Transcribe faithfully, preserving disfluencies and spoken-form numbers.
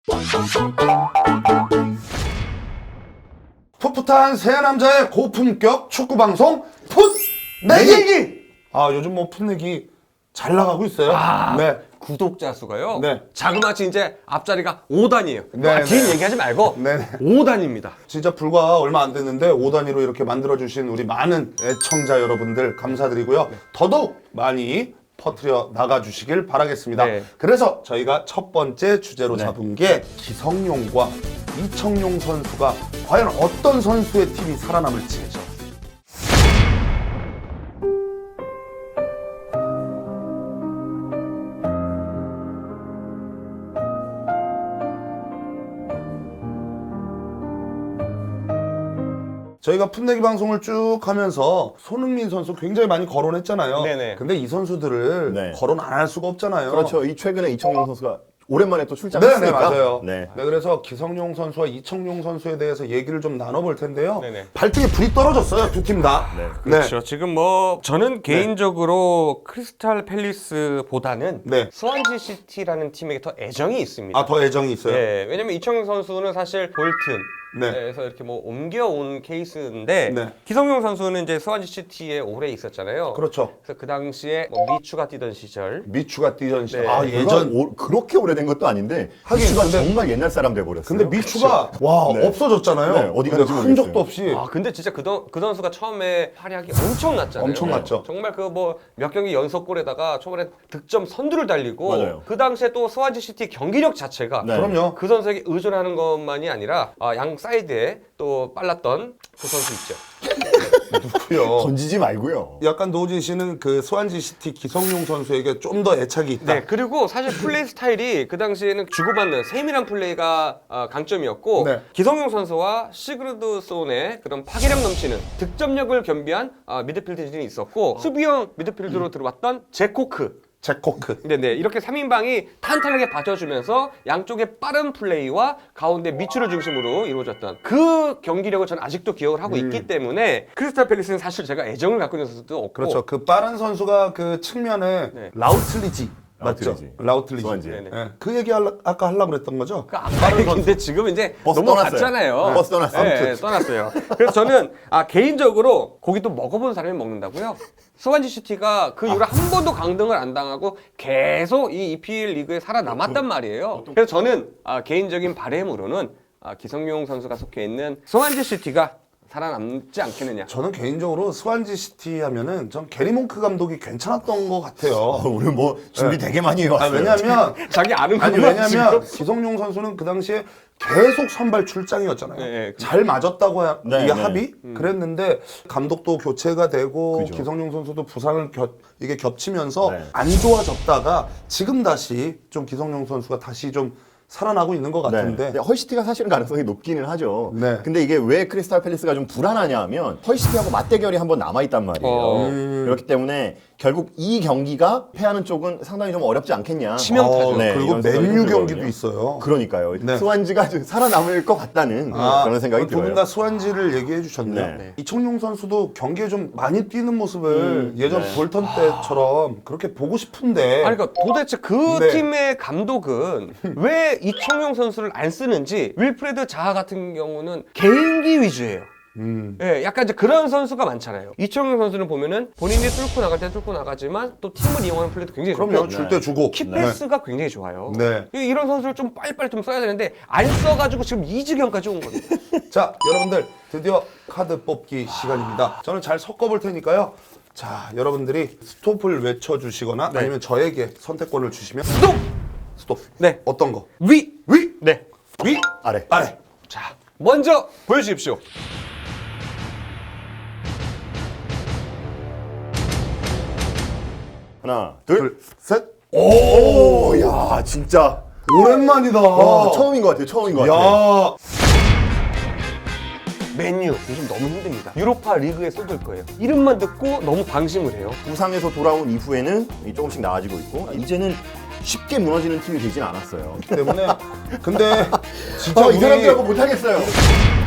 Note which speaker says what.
Speaker 1: 풋풋한 새 남자의 고품격 축구 방송 풋내기. 아 요즘 뭐 풋내기 잘 나가고 있어요.
Speaker 2: 아,
Speaker 1: 네.
Speaker 2: 구독자 수가요?
Speaker 1: 네.
Speaker 2: 자그마치 이제 앞자리가 오 단이에요.
Speaker 1: 네,
Speaker 2: 아, 긴
Speaker 1: 네.
Speaker 2: 얘기하지 말고
Speaker 1: 네.
Speaker 2: 오 단입니다.
Speaker 1: 진짜 불과 얼마 안 됐는데 오 단위로 이렇게 만들어주신 우리 많은 애청자 여러분들 감사드리고요. 더더욱 많이 퍼뜨려 나가주시길 바라겠습니다.
Speaker 2: 네.
Speaker 1: 그래서 저희가 첫 번째 주제로
Speaker 3: 네.
Speaker 1: 잡은 게 기성용과 이청용 선수가 과연 어떤 선수의 팀이 살아남을지. 저희가 풋내기 방송을 쭉 하면서 손흥민 선수 굉장히 많이 거론했잖아요.
Speaker 2: 네네.
Speaker 1: 근데 이 선수들을
Speaker 3: 네.
Speaker 1: 거론 안 할 수가 없잖아요.
Speaker 3: 그렇죠. 이 최근에 이청용 선수가 오랜만에 또
Speaker 1: 네,
Speaker 3: 출장했으니까.
Speaker 1: 네, 맞아요.
Speaker 3: 네.
Speaker 1: 네, 그래서 기성용 선수와 이청용 선수에 대해서 얘기를 좀 나눠볼 텐데요.
Speaker 2: 네네.
Speaker 1: 발등에 불이 떨어졌어요, 두 팀 다.
Speaker 3: 네.
Speaker 2: 그렇죠. 지금 뭐 저는 개인적으로 크리스탈 팰리스보다는
Speaker 1: 네.
Speaker 2: 스완지 시티라는 팀에게 더 애정이 있습니다.
Speaker 1: 아, 더 애정이 있어요.
Speaker 2: 네, 왜냐면 이청용 선수는 사실 볼튼
Speaker 1: 네.
Speaker 2: 에서 이렇게 뭐 옮겨온 케이스인데
Speaker 1: 네.
Speaker 2: 기성용 선수는 이제 스완지 시티에 오래 있었잖아요.
Speaker 1: 그렇죠.
Speaker 2: 그래서 그 당시에 뭐 미추가 뛰던 시절.
Speaker 1: 미추가 뛰던 시절.
Speaker 2: 네.
Speaker 1: 아,
Speaker 3: 예전
Speaker 1: 예전.
Speaker 3: 오, 그렇게 오래된 것도 아닌데
Speaker 1: 하긴,
Speaker 3: 미추가
Speaker 1: 근데-
Speaker 3: 정말 옛날 사람 돼 버렸어요.
Speaker 1: 근데 미추가 와
Speaker 3: 네.
Speaker 1: 없어졌잖아요.
Speaker 3: 네, 어디
Speaker 1: 근데
Speaker 3: 갔는지
Speaker 1: 흔적도
Speaker 3: 모르겠어요.
Speaker 1: 없이.
Speaker 2: 아 근데 진짜 그, 던, 그 선수가 처음에 활약이 엄청났잖아요.
Speaker 1: 엄청났죠.
Speaker 2: 정말 그 뭐 몇 경기 연속골에다가 초반에 득점 선두를 달리고
Speaker 3: 맞아요.
Speaker 2: 그 당시에 또 스완지 시티 경기력 자체가
Speaker 3: 네.
Speaker 1: 그럼요.
Speaker 2: 그 선수에게 의존하는 것만이 아니라 아, 양 사이드에 또 빨랐던 그 선수 있죠.
Speaker 1: 누구요?
Speaker 3: 던지지 말고요.
Speaker 1: 약간 노진 씨는 그 스완지 시티 기성용 선수에게 좀 더 애착이 있다.
Speaker 2: 네, 그리고 사실 플레이 스타일이 그 당시에는 주고받는 세밀한 플레이가 어, 강점이었고
Speaker 1: 네.
Speaker 2: 기성용 선수와 시그르드 손의 그런 파괴력 넘치는 득점력을 겸비한 어, 미드필드진이 있었고 수비형 미드필드로 들어왔던 제코크.
Speaker 1: 제코크.
Speaker 2: 네, 네. 이렇게 삼 인방이 탄탄하게 받쳐주면서 양쪽의 빠른 플레이와 가운데 미추를 중심으로 이루어졌던 그 경기력을 저는 아직도 기억을 하고 있기 때문에 크리스탈 팰리스는 사실 제가 애정을 갖고 있는 선수도 없고
Speaker 1: 그렇죠. 그 빠른 선수가 그 측면에
Speaker 2: 네.
Speaker 1: 라우틀리지. 맞죠?
Speaker 3: 라우틀리지.
Speaker 1: 라우틀리지.
Speaker 3: 스완지.
Speaker 2: 네네.
Speaker 1: 예. 그 얘기 할라, 아까 하려고 그랬던 거죠?
Speaker 2: 그 아까 얘기인데 지금 이제
Speaker 3: 버스
Speaker 2: 넘어갔잖아요.
Speaker 3: 떠났어요. 버스 떠났어요.
Speaker 2: 네,
Speaker 3: 아무튼.
Speaker 2: 떠났어요. 그래서 저는 아, 개인적으로 고기 또 먹어본 사람이 먹는다고요. 스완지 시티가 그 이후로 한 번도 강등을 안 당하고 계속 이 이피엘 리그에 살아남았단 말이에요. 그래서 저는 아, 개인적인 바람으로는 아, 기성용 선수가 속해 있는 스완지 시티가 살아남지 않겠느냐.
Speaker 1: 저는 개인적으로 스완지 시티 하면은 전 게리 몽크 감독이 괜찮았던 것 같아요.
Speaker 3: 어, 오늘 뭐 준비 되게 많이
Speaker 1: 아,
Speaker 3: 해왔어요.
Speaker 1: 왜냐면
Speaker 2: 자기 아는
Speaker 1: 아니
Speaker 2: 것만
Speaker 1: 왜냐면
Speaker 2: 지금.
Speaker 1: 기성용 선수는 그 당시에 계속 선발 출장이었잖아요.
Speaker 2: 네,
Speaker 1: 잘 맞았다고 하,
Speaker 3: 네,
Speaker 1: 이게
Speaker 3: 네.
Speaker 1: 합의 그랬는데 감독도 교체가 되고
Speaker 3: 그죠.
Speaker 1: 기성용 선수도 부상을 겹, 이게 겹치면서
Speaker 3: 네.
Speaker 1: 안 좋아졌다가 지금 다시 좀 기성용 선수가 다시 좀 살아나고 있는 것 같은데
Speaker 3: 네. 헐시티가 사실은 가능성이 높기는 하죠.
Speaker 1: 네.
Speaker 3: 근데 이게 왜 크리스탈 팰리스가 좀 불안하냐 하면 헐시티하고 맞대결이 한 번 남아있단 말이에요.
Speaker 2: 어.
Speaker 1: 음.
Speaker 3: 그렇기 때문에 결국 이 경기가 패하는 쪽은 상당히 좀 어렵지 않겠냐.
Speaker 2: 치명타죠.
Speaker 1: 어,
Speaker 3: 네,
Speaker 1: 그리고
Speaker 3: 이런 생각이
Speaker 1: 맨유
Speaker 3: 좀
Speaker 1: 경기도
Speaker 3: 들거든요.
Speaker 1: 있어요.
Speaker 3: 그러니까요.
Speaker 1: 네.
Speaker 3: 스완지가 좀 살아남을 것 같다는 그런 생각이
Speaker 1: 두 분
Speaker 3: 들어요.
Speaker 1: 다 스완지를 얘기해 주셨네요.
Speaker 3: 네. 네.
Speaker 1: 이청용 선수도 경기에 좀 많이 뛰는 모습을
Speaker 3: 음,
Speaker 1: 예전
Speaker 3: 네.
Speaker 1: 볼턴 때처럼 그렇게 보고 싶은데
Speaker 2: 아니 그러니까 도대체 그
Speaker 1: 네.
Speaker 2: 팀의 감독은 왜 이청용 선수를 안 쓰는지 윌프레드 자하 같은 경우는 개인기 위주예요.
Speaker 1: 음.
Speaker 2: 예, 약간 이제 그런 선수가 많잖아요. 이청용 선수는 보면은 본인이 뚫고 나갈 때 뚫고 나가지만 또 팀을 이용하는 플레이도 굉장히
Speaker 1: 그럼요.
Speaker 2: 좋고
Speaker 1: 줄 때 주고.
Speaker 2: 키패스가 굉장히 좋아요.
Speaker 1: 네.
Speaker 2: 이- 이런 선수를 좀 빨리빨리 좀 써야 되는데 안 써가지고 지금 이 지경까지 온 거예요.
Speaker 1: 자, 여러분들 드디어 카드 뽑기 시간입니다. 저는 잘 섞어볼 테니까요. 자, 여러분들이 스톱을 외쳐주시거나
Speaker 2: 네.
Speaker 1: 아니면 저에게 선택권을 주시면
Speaker 2: 스톱!
Speaker 1: 스톱.
Speaker 2: 네.
Speaker 1: 어떤 거?
Speaker 2: 위!
Speaker 1: 위,
Speaker 2: 네.
Speaker 1: 위,
Speaker 3: 아래.
Speaker 1: 아래.
Speaker 2: 자, 먼저 보여주십시오.
Speaker 3: 하나, 둘.
Speaker 1: 둘, 셋.
Speaker 3: 오, 야, 진짜.
Speaker 1: 오랜만이다.
Speaker 3: 와, 처음인 것 같아요. 처음인 것 같아요.
Speaker 1: 야,
Speaker 2: 맨유 요즘 너무 힘듭니다. 유로파 리그에 쏟을 거예요. 이름만 듣고 너무 방심을 해요.
Speaker 3: 부상에서 돌아온 이후에는 조금씩 나아지고 있고 이제는 쉽게 무너지는 팀이 되진 않았어요.
Speaker 1: 때문에 근데 진짜
Speaker 3: 어, 이
Speaker 1: 우리
Speaker 3: 사람들하고 못하겠어요.